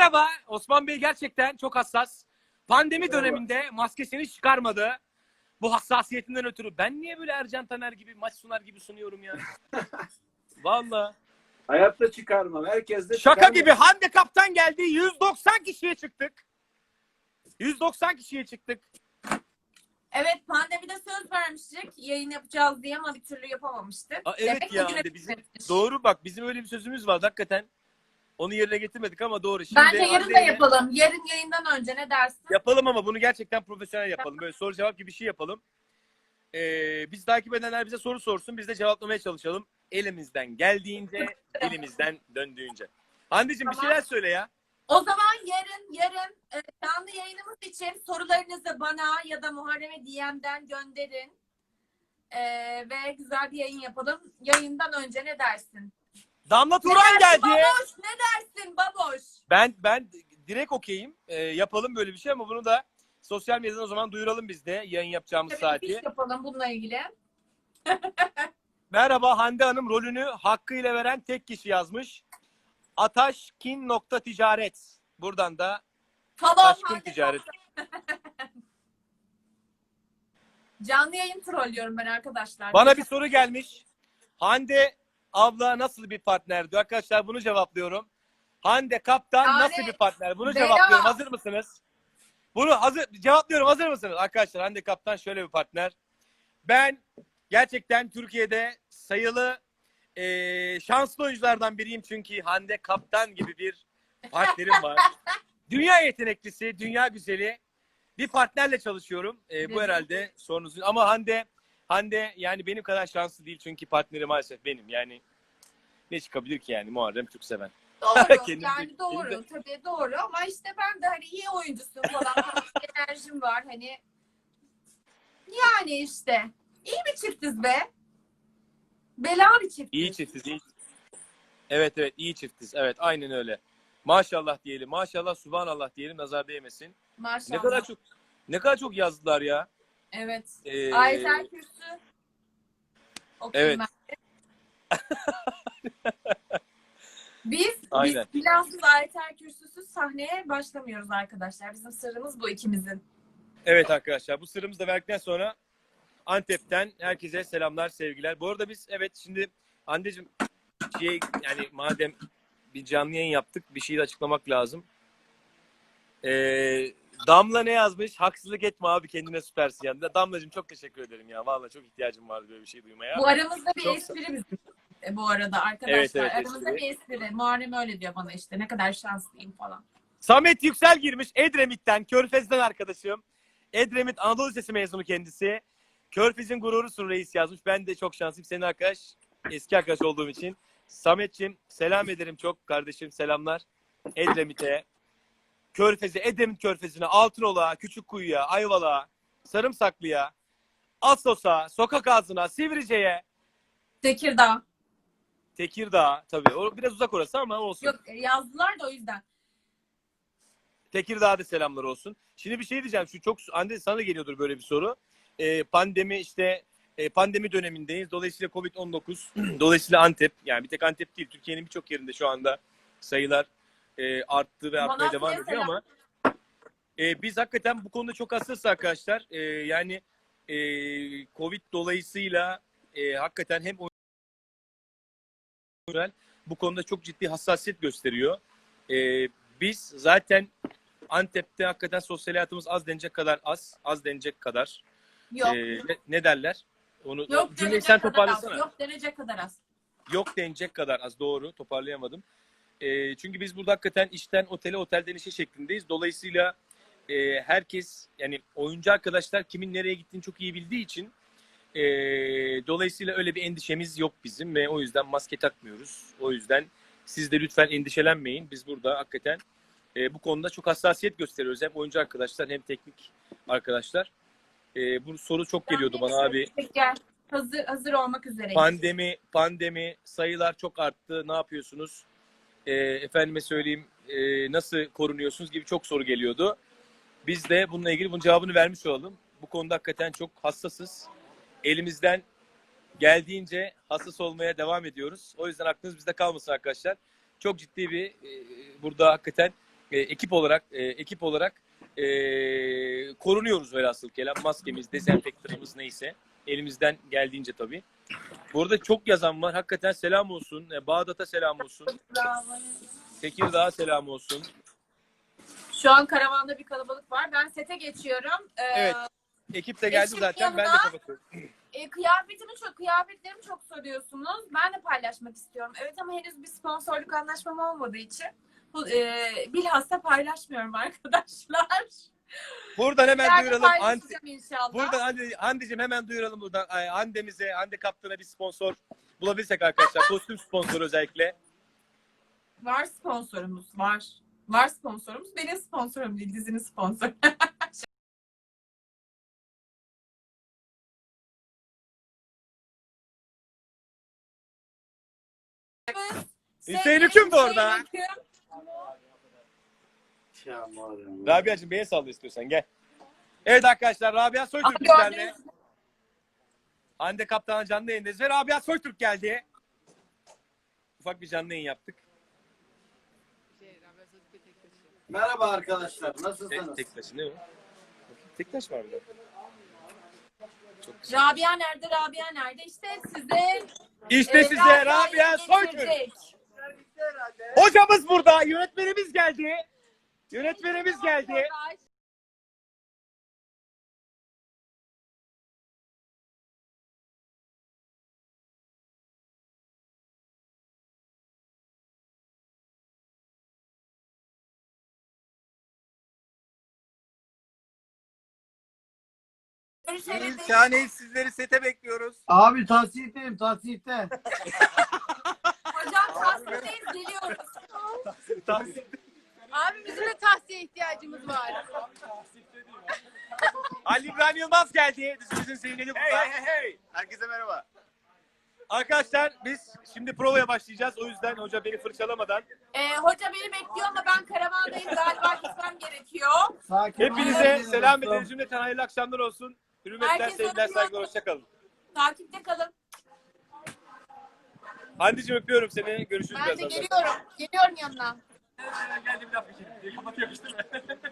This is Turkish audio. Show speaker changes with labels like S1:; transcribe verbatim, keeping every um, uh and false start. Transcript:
S1: Merhaba. Osman Bey gerçekten çok hassas. Pandemi Merhaba. Döneminde maskesini çıkarmadı. Bu hassasiyetinden ötürü. Ben niye böyle Ercan Taner gibi, maç sunar gibi sunuyorum ya? Vallahi.
S2: Hayatta çıkarmam. Herkes de
S1: Şaka
S2: çıkarmam.
S1: gibi. Hande Kaptan geldi. yüz doksan kişiye çıktık. yüz doksan kişiye çıktık.
S3: Evet, pandemide söz vermiştik yayın yapacağız diye ama bir türlü yapamamıştık.
S1: Aa, evet
S3: Demek
S1: ya
S3: bugüne
S1: Hande bizim.
S3: bitmiş.
S1: Doğru bak, bizim öyle bir sözümüz vardı hakikaten. Onu yerine getirmedik ama doğru. Şimdi
S3: Bence yarın da
S1: Hande'yle
S3: yapalım. Yarın yayından önce ne dersin?
S1: yapalım ama bunu gerçekten profesyonel yapalım. Böyle soru cevap gibi bir şey yapalım. Ee, biz takip edenler bize soru sorsun. Biz de cevaplamaya çalışalım. Elimizden geldiğince, elimizden döndüğünce. Hande'cim
S3: Tamam.
S1: bir şeyler söyle ya.
S3: O zaman yarın yarın e, canlı yayınımız için sorularınızı bana ya da Muharrem'e D M'den gönderin. E, ve güzel bir yayın yapalım. Yayından önce ne dersin?
S1: Damla
S3: Ne
S1: Turan
S3: dersin
S1: geldi.
S3: baboş? Ne dersin baboş?
S1: Ben ben direkt okeyim. Ee, yapalım böyle bir şey ama bunu da sosyal medyadan o zaman duyuralım biz de yayın yapacağımız
S3: Tabii
S1: saati.
S3: bir iş yapalım bununla ilgili.
S1: Merhaba, Hande Hanım rolünü hakkıyla veren tek kişi yazmış. Ataşkin nokta ticaret. Buradan da
S3: Tamam,
S1: Ataşkin
S3: hadi
S1: ticaret.
S3: Canlı yayın trollüyorum ben arkadaşlar.
S1: Bana bir soru gelmiş. Hande abla nasıl bir partnerdi? Arkadaşlar bunu cevaplıyorum. Hande Kaptan
S3: Yani,
S1: nasıl bir partner? Bunu
S3: Bela.
S1: cevaplıyorum. Hazır mısınız? Bunu hazır cevaplıyorum. Hazır mısınız? Arkadaşlar Hande Kaptan şöyle bir partner. Ben gerçekten Türkiye'de sayılı e, şanslı oyunculardan biriyim. Çünkü Hande Kaptan gibi bir partnerim var. Dünya yeteneklisi, dünya güzeli bir partnerle çalışıyorum. E, bu herhalde sorunuzun. Ama Hande Hande yani benim kadar şanslı değil çünkü partneri maalesef benim. Yani ne çıkabilir ki yani Muharrem Türkseven.
S3: Doğru.
S1: Kendim
S3: yani
S1: de-
S3: doğru.
S1: kendim
S3: Tabii doğru ama işte ben de hani iyi oyuncusun falan. Enerjim var hani. Yani işte. İyi bir çiftiz be. Bela bir çiftiz.
S1: İyi çiftiz, iyi. Evet evet iyi çiftiz. Evet aynen öyle. Maşallah diyelim. Maşallah subhanallah diyelim. Nazar değmesin.
S3: Maşallah.
S1: Ne kadar çok ne kadar çok yazdılar ya.
S3: Evet.
S1: Ee,
S3: Ayetel Kürsü.
S1: Evet.
S3: Biz,
S1: Aynen.
S3: biz plansız Ayetel Kürsüsüz sahneye başlamıyoruz arkadaşlar. Bizim sırrımız bu ikimizin.
S1: Evet arkadaşlar bu sırrımızı da verdikten sonra Antep'ten herkese selamlar, sevgiler. Bu arada biz evet şimdi Hande'cim şey yani madem bir canlı yayın yaptık bir şeyi de açıklamak lazım. Ee, Damla ne yazmış? Haksızlık etme abi kendine süpersin yani. Damlacığım çok teşekkür ederim ya. Vallahi çok ihtiyacım vardı böyle bir şey duymaya.
S3: Bu aramızda bir
S1: Çok...
S3: espri bizim. E, bu arada arkadaşlar.
S1: Evet, evet,
S3: aramızda
S1: espri.
S3: bir espri. Muharrem öyle diyor bana işte. Ne kadar şanslıyım falan.
S1: Samet Yüksel girmiş. Edremit'ten, Körfez'den arkadaşım. Edremit Anadolu Lisesi mezunu kendisi. Körfez'in gururusun reis yazmış. Ben de çok şanslıyım. Senin arkadaş, eski arkadaş olduğum için. Samet'ciğim selam ederim çok kardeşim. Selamlar. Edremit'e, Körfez'e, Edremit Körfezi'ne, Altınoluk'a, Küçükkuyu'ya, Ayvalık'a, Sarımsaklı'ya, Assos'a, Sokak Ağzı'na, Sivrice'ye,
S3: Tekirdağ.
S1: Tekirdağ tabii. O biraz uzak orası ama olsun.
S3: Yok yazdılar da o yüzden.
S1: Tekirdağ'da selamlar olsun. Şimdi bir şey diyeceğim. Şu çok Hande sana da geliyordur böyle bir soru. Ee, pandemi işte e, pandemi dönemindeyiz. Dolayısıyla kovid on dokuz, dolayısıyla Antep yani bir tek Antep değil Türkiye'nin birçok yerinde şu anda sayılar e, arttı ve artmaya devam ediyor
S3: selam.
S1: ama e, biz hakikaten bu konuda çok hassasız arkadaşlar. E, yani e, Covid dolayısıyla e, hakikaten hem oyuncular bu konuda çok ciddi hassasiyet gösteriyor. E, biz zaten Antep'te hakikaten sosyal hayatımız az denecek kadar az. Az denecek kadar.
S3: Yok.
S1: Ee, ne, ne derler? Onu
S3: Yok
S1: cümleyi
S3: denecek
S1: sen
S3: kadar az.
S1: toparlasana. Yok.
S3: Yok denecek kadar az.
S1: Yok denecek kadar az. Doğru. Toparlayamadım. Ee, çünkü biz burada hakikaten işten otele, otelden işe şeklindeyiz. Dolayısıyla e, herkes yani oyuncu arkadaşlar kimin nereye gittiğini çok iyi bildiği için e, dolayısıyla öyle bir endişemiz yok bizim ve o yüzden maske takmıyoruz. O yüzden siz de lütfen endişelenmeyin. Biz burada hakikaten E, bu konuda çok hassasiyet gösteriyoruz. Hem oyuncu arkadaşlar hem teknik arkadaşlar. E, bu soru çok geliyordu bana abi.
S3: Gel. Hazır, hazır olmak üzere.
S1: Pandemi, pandemi sayılar çok arttı. Ne yapıyorsunuz? E, efendime söyleyeyim e, nasıl korunuyorsunuz gibi çok soru geliyordu. Biz de bununla ilgili bunun cevabını vermiş olalım. Bu konuda hakikaten çok hassasız. Elimizden geldiğince hassas olmaya devam ediyoruz. O yüzden aklınız bizde kalmasın arkadaşlar. Çok ciddi bir e, burada hakikaten e, ekip olarak e, ekip olarak e, korunuyoruz velhasıl kelam. Maskemiz, dezenfektanımız neyse. Elimizden geldiğince tabii. Bu arada çok yazan var. Hakikaten selam olsun. E, Bağdat'a selam olsun. Tekirdağ'a selam olsun.
S3: Şu an karavanda bir kalabalık var. Ben sete geçiyorum. Ee,
S1: Evet. Ekip de geldi
S3: Eşim
S1: zaten. Ben de
S3: yanına-
S1: kapatıyorum.
S3: E, kıyafetimi çok, kıyafetlerimi çok soruyorsunuz. Ben de paylaşmak istiyorum. Evet ama henüz bir sponsorluk anlaşmam olmadığı için bu, e, bilhassa paylaşmıyorum arkadaşlar.
S1: Buradan hemen
S3: İleride
S1: duyuralım. Anti,
S3: paylaşacağım inşallah.
S1: buradan Hande, Hande'cim hemen duyuralım buradan. Ay, Hande'mize, Hande Kaptan'a bir sponsor bulabilirsek arkadaşlar. Kostüm sponsoru özellikle.
S3: Var sponsorumuz, var. Var sponsorumuz. Benim sponsorum değil, dizinin sponsoru.
S1: Hüseyin Hüküm de orada.
S3: Hüseyin Hüküm.
S1: Rabia'cığım beni salla istiyorsan gel. Evet arkadaşlar Rabia Soytürk
S3: Abi
S1: bizlerle.
S3: gördünüz mü?
S1: Hande Kaptan'a canlı yayındayız ve Rabia Soytürk geldi. Ufak bir canlı yayın yaptık.
S2: Merhaba arkadaşlar.
S1: Tek,
S2: Nasılsınız?
S1: tek taşı ne o? Tek taş var burada. Çok güzel.
S3: Rabia nerede? Rabia nerede? İşte size
S1: İşte
S3: e,
S1: size
S3: Rabia'yı
S1: Rabia Soytürk.
S3: getirecek.
S1: Hocamız burada. Yönetmenimiz geldi. Yönetmenimiz geldi.
S3: Görüşelim.
S1: Şahaneyiz, sizleri sete bekliyoruz.
S2: Abi tahsihteyim tahsihte.
S3: Hocam tahsildeyiz, geliyoruz.
S4: Abi bizim de tahsiye ihtiyacımız var.
S1: Ali İbrahim Yılmaz geldi. Dizimizin zeyneli burada.
S5: Hey hey hey. Herkese merhaba.
S1: Arkadaşlar biz şimdi provaya başlayacağız. O yüzden hoca beni fırçalamadan
S3: Ee, hoca beni bekliyor ama ben karavandayım. Galiba gitmem gerekiyor.
S2: Sakin.
S1: hepinize
S2: olun.
S1: selam ederiz. Cümleten hayırlı akşamlar olsun. Hürmetler,
S3: Herkese
S1: sevgiler,
S3: öpüyorum.
S1: saygılar. Hoşça kalın.
S3: Takipte kalın.
S1: Hande'cim öpüyorum seni. Görüşürüz
S4: Ben de
S1: birazdan.
S4: geliyorum. Geliyorum yanına.
S1: Geldim laf geçelim. Kapatıyor işte.